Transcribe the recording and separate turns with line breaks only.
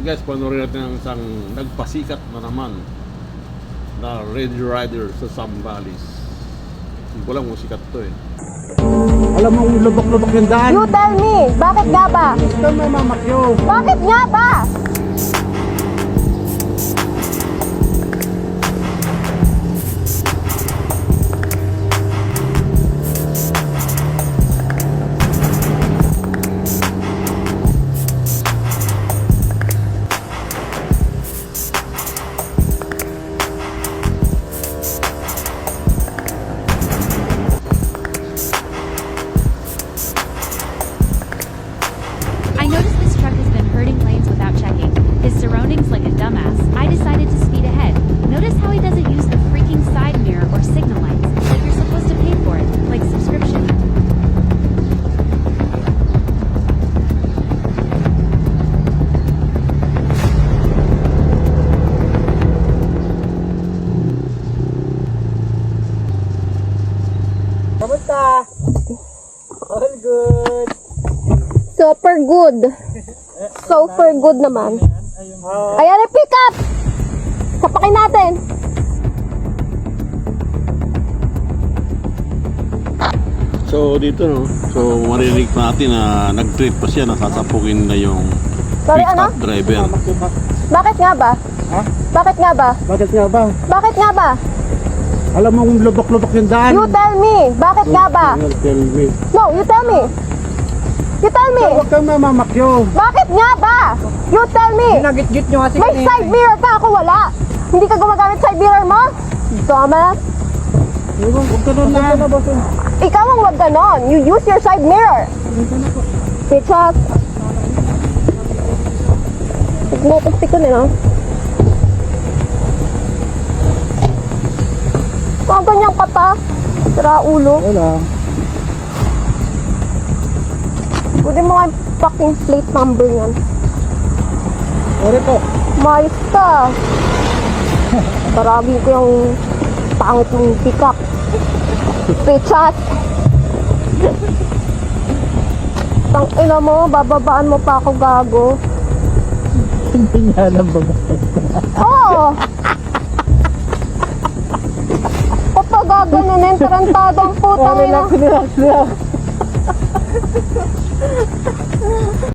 guys, panoorin natin ang isang nagpasikat na naman na Red Rider sa Zambales. Hindi ko lang kung sikat to eh.
Alam mo, lubok-lubok yung daan.
You tell me, bakit nga ba?
Ito may mamakyo.
Bakit nga ba?
I noticed this truck has been hurting lanes without checking his surroundings like a dumbass. I decided to speed ahead. Notice how he doesn't use the freaking side mirror or signal lights, like you're supposed to pay for it, like subscription.
Kamusta? All good.
Super good. Super good naman. Ayan yung pick up! Sapakin natin.
So dito no, so marinig pa natin na nag-trip pa siya, nasasapukin na yung
Sorry,
pick-up driver.
Bakit nga ba?
Ha?
Bakit nga ba?
Bakit nga ba?
Bakit nga ba?
Alam mo, lubok-lubok yung daan.
You tell me, bakit nga ba?
Tell me.
No, you tell me. You tell me.
Huwag kang mamamakyo.
Bakit nga ba? You tell me.
Ginagit-git nyo kasi
May side mirror ka, ako wala. Hindi ka gumagamit side mirror mo? Thomas,
Huwag ka doon na.
ikaw ang wag ganon. You use your side mirror. Bitchas. Nagmotok ko nila. Kung ganyan ka pa, sira ulo.
Wala.
Pwede mo nga yung fucking plate number yan.
Sorry po.
Mais ka. Paragin ko yung pangit mong pick-up. Bitchas. Tang ina mo, bababaan mo pa ako gago.
Hindi niya alam ba ba?
Oo! Kapag gaganunin, tarantadong putang ina.
Relax.